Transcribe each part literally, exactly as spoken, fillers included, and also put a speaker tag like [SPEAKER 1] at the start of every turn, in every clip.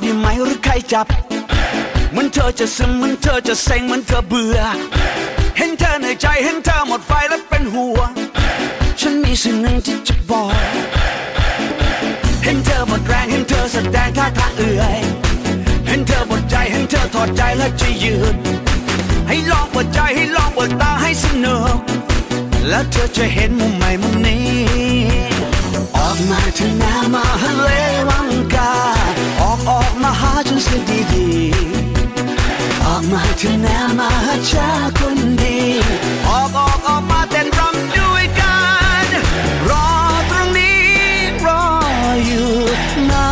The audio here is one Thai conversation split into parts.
[SPEAKER 1] ได้ไหมหรือใครจับเหมือนเธอจะซึมเหมือนเธอจะเซ็งเหมือนเธอเบื่อเห็นเธอเหนื่อยใจเห็นเธอหมดไฟแล้วเป็นห่วงฉันมีสิ่งหนึ่งที่จะบอกเห็นเธอหมดแรงเห็นเธอแสดงท่าทางเอื่อยเห็นเธอหมดใจเห็นเธอถอดใจแล้วจะยืนให้ลองเปิดใจให้ลองเปิดตาให้สนุกแล้วเธอจะเห็นมุมใหม่มุมนี้ออกมาเถอะนะมาฮะเลวังกาออกออกมาหาฉันเสียดีๆออกมาเถอะนะมาหาชาคนดีออกออกออกมาเต้นรำด้วยกันรอตรงนี้รออยู่นะ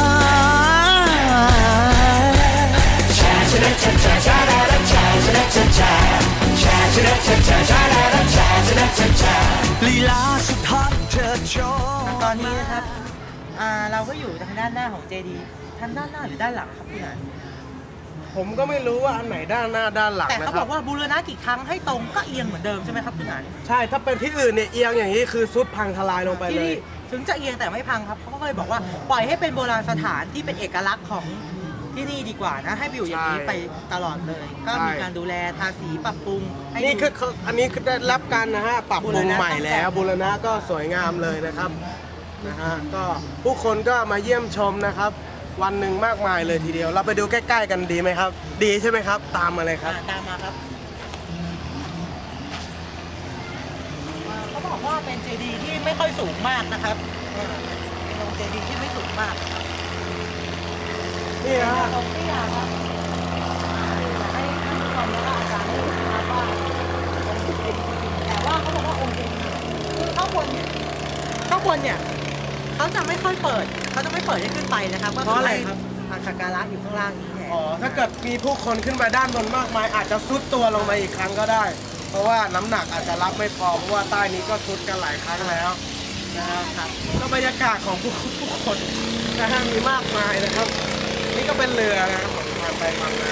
[SPEAKER 1] ชาชาชาชาชาชาชาชาชาชาชาชาชาชาชาชาชาชาลีลาสุดฮอตเธอโชว์
[SPEAKER 2] ตอนนี้นะครับเราก็อยู่ทางด้านหน้าของเจดีย์ทางด้านหน้าหรือด้านหลังครับพี่นัน
[SPEAKER 3] ผมก็ไม่รู้ว่าอันไหนด้านหน้าด้านหลัง
[SPEAKER 2] แต่เขาบอกว่าบูรณะกี่ครั้งให้ตรงก็เอียงเหมือนเดิมใช่ไหมครับพี่นัน
[SPEAKER 3] ใช่ถ้าเป็นที่อื่นเนี่ยเอียงอย่างนี้คือซุดพังทลายลงไปเลย
[SPEAKER 2] ถึงจะเอียงแต่ไม่พังครับเขาก็เลยบอกว่าปล่อยให้เป็นโบราณสถานที่เป็นเอกลักษณ์ของที่นี่ดีกว่านะให้ไปอยู่อย่างนี้ไปตลอดเลยก็มีการดูแลทาสีปรับปรุง
[SPEAKER 3] นี่คืออันนี้คือได้รับการนะฮะปรับปรุงใหม่แล้วบูรณะก็สวยงามเลยนะครับนะฮะก็ผู้คนก็มาเยี่ยมชมนะครับวันหนึ่งมากมายเลยทีเดียวเราไปดูใกล้ๆกันดีไหมครับดีใช่ไหมครับตามมาเลยครับ
[SPEAKER 2] ตามมาครับเขาบอกว่าเป็นเจดีย์ที่ไม่ค่อยสูงมากนะครับเป็นเจดีย์ที่ไม่สูงมาก
[SPEAKER 3] นี่ฮะ
[SPEAKER 2] ตรงที่อ่ะครับให้ให้ทุกคนแล้วก็อาจารย์ได้รู้นะครับว่าเป็นเจดีย์จริงแต่ว่าเขาบอกว่าองค์เจดีย์คือข้างบนเนี่ยข้างบนเนี่ยเขาจะไม่ค่อยเปิดเขาจะไม่เปิดให้ขึ้นไปนะครับ
[SPEAKER 3] เพราะอะไรครับ
[SPEAKER 2] สักการะอยู่ข้างล่างนี้แทน
[SPEAKER 3] อ๋อถ้าเกิดมีผู้คนขึ้นมาด้านบนมากมายอาจจะซุดตัวลงมาอีกครั้งก็ได้เพราะว่าน้ำหนักอาจจะรับไม่พอเพราะว่าใต้นี้ก็ซุดกันหลายครั้งแล้วนะครับก็บรรยากาศของผู้ผู้คนนะฮะมีมากมายนะครับนี่ก็เป็นเรือนะครับผมพาไปทำงาน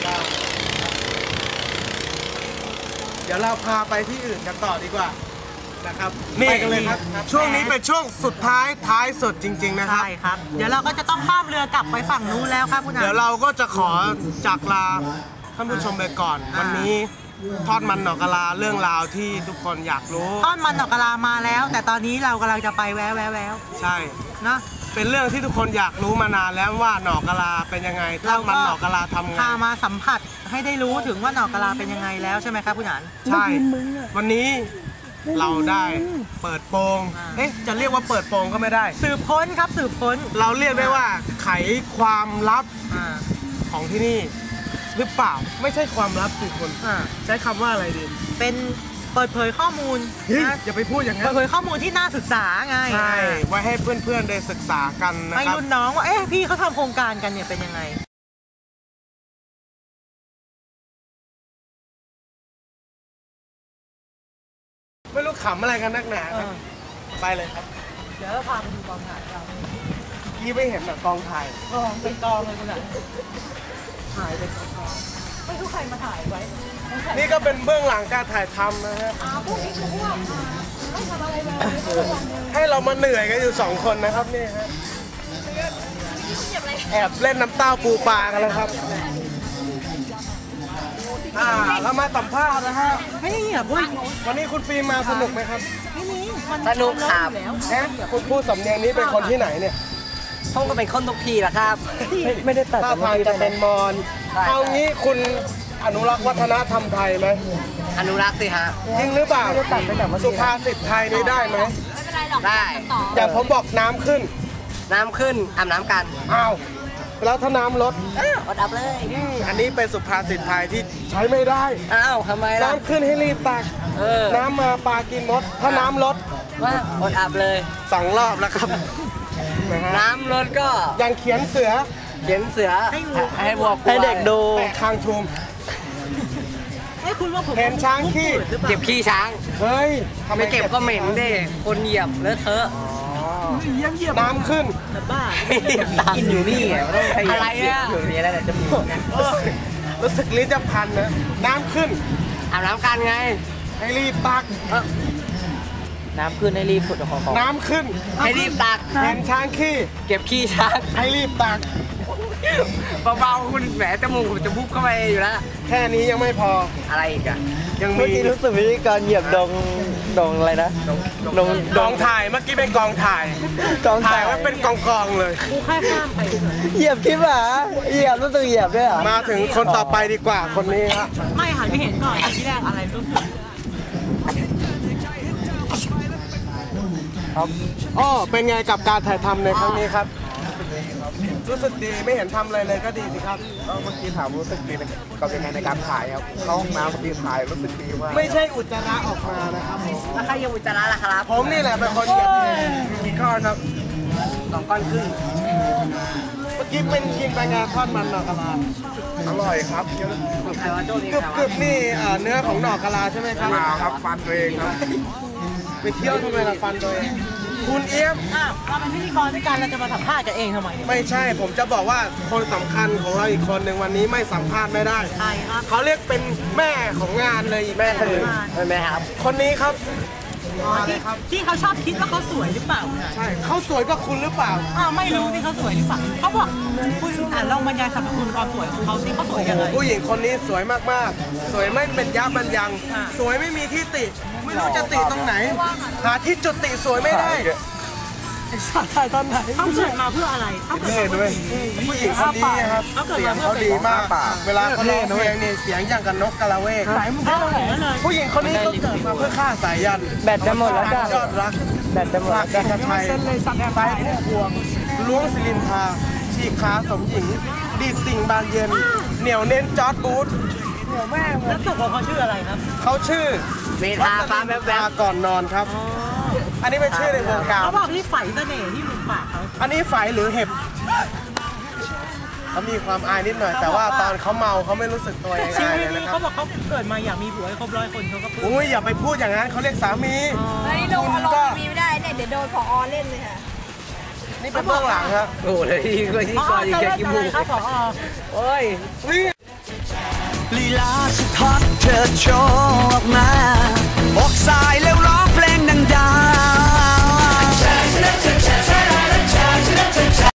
[SPEAKER 3] เดี๋ยวเราพาไปที่อื่นกันต่อดีกว่านะครับนี่กันเลยครับช่วงนี้เป็นช่วงสุดท้ายท้ายสุดจริงๆนะครับ
[SPEAKER 2] ใช่ครับเดี๋ยวเราก็จะต้องข้ามเรือกลับไปฝั่งนู้นแล้วครับคุณอา
[SPEAKER 3] เดี๋ยวเราก็จะขอจากลาท่านผู้ชมไปก่อนวันนี้ทอดมันหนอกกะลาเรื่องราวที่ทุกคนอยากรู้
[SPEAKER 2] ทอดมันหนอกกะลามาแล้วแต่ตอนนี้เรากำลังจะไปแววแววแวว
[SPEAKER 3] ใช่
[SPEAKER 2] นะ
[SPEAKER 3] เป็นเรื่องที่ทุกคนอยากรู้มานานแล้วว่าหนอกกะลาเป็นยังไงทอดมันหนอกกะลาทำไง
[SPEAKER 2] พามาสัมผัสให้ได้รู้ถึงว่าหนอกกะลาเป็นยังไงแล้วใช่ไหมครับคุณหนาน
[SPEAKER 3] ใช่วันนี้เราได้เปิดโปงเอ๊ะจะเรียกว่าเปิดโปงก็ไม่ได้
[SPEAKER 2] สืบค้นครับสืบค้น
[SPEAKER 3] เราเรียกได้ว่าไขความลับของที่นี่หรือเปล่าไม่ใช่ความลับสิคนใช้คำว่าอะไรดี
[SPEAKER 2] เป็นเปิดเผยข้อมูล
[SPEAKER 3] นะอย่าไปพูดอย่างนั้น
[SPEAKER 2] เปิดเผยข้อมูลที่น่าศึกษาไง
[SPEAKER 3] ใช่ไว้ให้เพื่อนๆได้ศึกษากันนะครับให้
[SPEAKER 2] รุ่นน้องว่าเอ๊ะพี่เขาทำโครงการกันเนี่ยเป็นยังไง
[SPEAKER 3] ไม่รู้ขำอะไรกันนักหนาครับไปเลยครับ
[SPEAKER 2] เดี๋ยวเราพาไปดูกองถ่ายเรา
[SPEAKER 3] กี้ไม่เห็นแบบกองถ่าย
[SPEAKER 2] กองเป็นกองเลยคุณอ่ะถ่ายเป็นกองไม่รู้ใครมาถ่ายไว้
[SPEAKER 3] นี่ก็เป็นเบื้องหลังการถ่ายทำนะฮะ
[SPEAKER 2] พวกนี้คือพวกไม่ทำอะไรเลย
[SPEAKER 3] ให้เรามาเหนื่อยกันอยู่สองคนนะครับนี่ฮะแอบเล่นน้ำเต้าปูปลากันแล้วครับอ่าเรามาสัมภาษณ์นะฮะ
[SPEAKER 2] ไม่เงียบเว้ย
[SPEAKER 3] วันนี้คุณฟิล์มมาสนุกไหมครับ
[SPEAKER 2] ไม่มี
[SPEAKER 4] สนุกครับ
[SPEAKER 3] แหมคุณพูดสำเนียงนี้เป็นคนที่ไหนเนี่ย
[SPEAKER 4] ผมก็เป็นคนทุกที่แหละครับ
[SPEAKER 3] ไม่ได้ตัดท่าทางจะเป็นมอญเอางี้คุณอนุรักษ์วัฒนธรรมไทยไหม
[SPEAKER 4] อนุรักษ์สิฮะ
[SPEAKER 3] จริงหรือเปล่าสุภาษิตไทยนี้ได้ไหม
[SPEAKER 4] ได้
[SPEAKER 3] อย่างผมบอกน้ำขึ้น
[SPEAKER 4] น้ำขึ้นอาบน้ำกัน
[SPEAKER 3] อ้าวแล้วถ้าน้ำลด
[SPEAKER 4] อดอับเลย
[SPEAKER 3] อันนี้เป็นสุภาษิตไทยที่ใช้ไม่ได้
[SPEAKER 4] อ้าวทำไมล่ะ
[SPEAKER 3] น้ำขึ้นให้รีบตักน้ำมาปลากินมดถ้าน้ำลด
[SPEAKER 4] ว่าอดอับเลย
[SPEAKER 3] สองรอบแล้วครับ
[SPEAKER 4] น้ำลดก็
[SPEAKER 3] ยังเขียนเสือ
[SPEAKER 4] เขียนเสือให้วัว
[SPEAKER 3] ให้เด็กดูแปะคางชุม
[SPEAKER 2] ให้คุณว่าผม
[SPEAKER 3] เห็นช้างขี้
[SPEAKER 4] เก็บขี้ช้าง
[SPEAKER 3] เฮ้ย
[SPEAKER 4] ไม่เก็บก็เหม็นดิคนเหยียบเลอะเทอะ
[SPEAKER 3] น้ำขึ้น
[SPEAKER 2] บ้า
[SPEAKER 4] กินอยู่นี่อะไรอ่ะอยู่นี่แล้วแต่จะมี
[SPEAKER 3] รู้สึกลิ้นจะพันนะน้ำขึ้น
[SPEAKER 4] อาบน้ำกันไง
[SPEAKER 3] ให้รีบตัก
[SPEAKER 2] น้ำขึ้นให้รีบขุดของ
[SPEAKER 3] น้ำขึ้น
[SPEAKER 4] ให้รีบตัก
[SPEAKER 3] เห็นช้างขี้
[SPEAKER 4] เก็บขี้ช้าง
[SPEAKER 3] ให้รีบตัก
[SPEAKER 4] เบาๆคุณแหมจมูกผมจะบุบเข้าไปอยู่แล้ว
[SPEAKER 3] แค่นี้ยังไม่พอ
[SPEAKER 4] อะไรอีกอะ
[SPEAKER 3] ยัง
[SPEAKER 5] เมื่
[SPEAKER 3] มี
[SPEAKER 5] อกี้รู้สึกพิธีกรเหยียบดงดงอะไรนะดง
[SPEAKER 3] กองถ่ายเมื่อกี้เป็นกองถ่าย
[SPEAKER 5] กอง
[SPEAKER 3] ถ่า
[SPEAKER 5] ถ่าย ย
[SPEAKER 3] ไว้เป็นกองกองๆเลย
[SPEAKER 2] กูแค่ข้ามไป
[SPEAKER 5] เหยียบคลิปเหรอเหยียบรู้สึกเหยียบด้วยเหรอ
[SPEAKER 3] มาถึงคนต่อไปดีกว่าคนนี้ครับ
[SPEAKER 2] ไม่หันไปเห็นก่อนที่แรกอะไรรู้สึก
[SPEAKER 3] ครับอ้อเป็นไงกับการถ่ายทำในครั้งนี้ครับ รู้สึกดีไม่เห็นทำอะไรเลยก็ดีสิครับ
[SPEAKER 6] ก็เมื่อกี้ถามรู้สึกดีกับยังไงในการถ่ายครับเข้าห้องน้ำเมื่อกี้ถ่ายรู้สึกดีมาก
[SPEAKER 3] ไม่ใช่อุจจาระออกมานะครับ
[SPEAKER 4] แล้วใครยังอุจจาระล่ะครับ
[SPEAKER 3] ผมนี่แหละเป็นคนเหยียบเองกี่ก้อนครับ
[SPEAKER 4] สองก้อนครึ่ง
[SPEAKER 3] เมื่อกี้เป็นกินไปงานทอดมันหน่อกะลา
[SPEAKER 6] อร่อยครับเยอะ
[SPEAKER 4] ใครว่าโจ้นี่
[SPEAKER 3] กรึบ
[SPEAKER 4] ครับ
[SPEAKER 3] กรึบนี่เอ่อเนื้อของหน่อกะลาใช่ไหมครับ
[SPEAKER 6] มาครับฟันตัวเองครับ
[SPEAKER 3] ไปเที่ยวทำไมล่ะฟันตัวเองคุณเอี้ยม
[SPEAKER 2] อ้าวเราเป็นพิธีกรด้วยกันเราจะมาสัมภาษณ์กันเองทำไม
[SPEAKER 3] ไม่ใช่ผมจะบอกว่าคนสำคัญของเราอีกคนหนึ่งวันนี้ไม่สัมภาษณ์ไม่ได้
[SPEAKER 2] ใช่ครับ
[SPEAKER 3] เขาเรียกเป็นแม่ของงานเลยอีกแม่คนหนึ่ง
[SPEAKER 4] ใช่ไหมครับ
[SPEAKER 3] คนนี้ครับ
[SPEAKER 2] อ๋อที่ที่เขาชอบคิดว่าเขาสวยหรือเปล่า
[SPEAKER 3] ใช่เขาสวยกว่าคุณหรือเปล่า
[SPEAKER 2] อ้าวไม่รู้ที่เขาสวยหรือเปล่าเขาบอกคุณอ่านลองบรรยายสรรพคุณความสวยของเขาที่เขาสวยยังไง
[SPEAKER 3] ผู้หญิงคนนี้สวยมากๆ สวยไม่เป็นยับมันยัง
[SPEAKER 2] อ่า
[SPEAKER 3] สวยไม่มีที่ติ ไม่รู้จะติตรงไหน หาที่จุดติสวยไม่ได้สาถ่ายตอนไหน
[SPEAKER 2] เขาเกิดมาเพื่ออะไรเขาเกิดมาเพื่อ
[SPEAKER 3] ด้วยผู้หญิงคนนี้นะครับ
[SPEAKER 2] เขาเกิด
[SPEAKER 3] เสีย
[SPEAKER 2] มาง เพื่อ
[SPEAKER 3] เขาดีมาก เวลาเขาร้องเพลงนี่เสียงอย่างกับนกกระเวก
[SPEAKER 2] ไหนมึงเข้าไหนเลย
[SPEAKER 3] ผู้หญิงคนนี้ก็เกิดมาเพื่อฆ่าสายยัน
[SPEAKER 5] แบตจะหมดแล้วจ้ะ
[SPEAKER 3] ยอดรัก
[SPEAKER 5] แบตจะหมด
[SPEAKER 3] ฝา
[SPEAKER 5] แล้
[SPEAKER 3] ก
[SPEAKER 5] ว
[SPEAKER 3] กั
[SPEAKER 5] จ้ะ
[SPEAKER 3] นไทยไฟพุ่มพวงล้วงศิลินทราฉีกขาสมหญิง ดีดสิ่งบานเย็น เหนียวเน้นจอร์ดบูธ
[SPEAKER 2] แล้วตกของเขาชื่ออะไรครับ
[SPEAKER 3] เขาชื่อ
[SPEAKER 4] เมทาฟ้าแวบ
[SPEAKER 3] ตาก่อนนอนครับ อันนี้เป็นชื่อในวงการ
[SPEAKER 2] เขาบอกที่ไฝเสน่ห์ที่มุมปากเขา
[SPEAKER 3] อันนี้ไฝหรือเห็บเขามีความอายนิดหน่อย แต่ว่าตอนเขาเมาเขาไม่รู้สึกตัวยัง
[SPEAKER 2] ชี
[SPEAKER 3] ไง
[SPEAKER 2] วิต
[SPEAKER 3] เลย
[SPEAKER 2] นี้
[SPEAKER 3] นะครั
[SPEAKER 2] เขา
[SPEAKER 3] บ
[SPEAKER 2] บอกเขาเกิดมาอยากมีผัวให้ครบร้อยคนเขาก็ปลื้ม
[SPEAKER 3] อุ้ยอย่าไปพูดอย่างนั้นเขาเรียกสามี
[SPEAKER 7] เฮ้ยลงอารมณ์มีไม่ได้เนี่ยเดี๋ยวโดนผอเล่นเลยค่ะ
[SPEAKER 3] นี่เป็นเบื้องหลังครับ
[SPEAKER 4] ๆโอ้โหเลยที่ที่
[SPEAKER 2] อ๋อ
[SPEAKER 4] ก่อนอีก
[SPEAKER 2] จะ
[SPEAKER 4] แค่
[SPEAKER 2] เล่น
[SPEAKER 4] กี่
[SPEAKER 2] อะ
[SPEAKER 4] โม
[SPEAKER 2] ไรง ครับผอ
[SPEAKER 4] โอ้ย
[SPEAKER 1] ลีลาสุดฮอตเธอโชว์ออกมาอกสายแล้วร้องเพลงดังๆ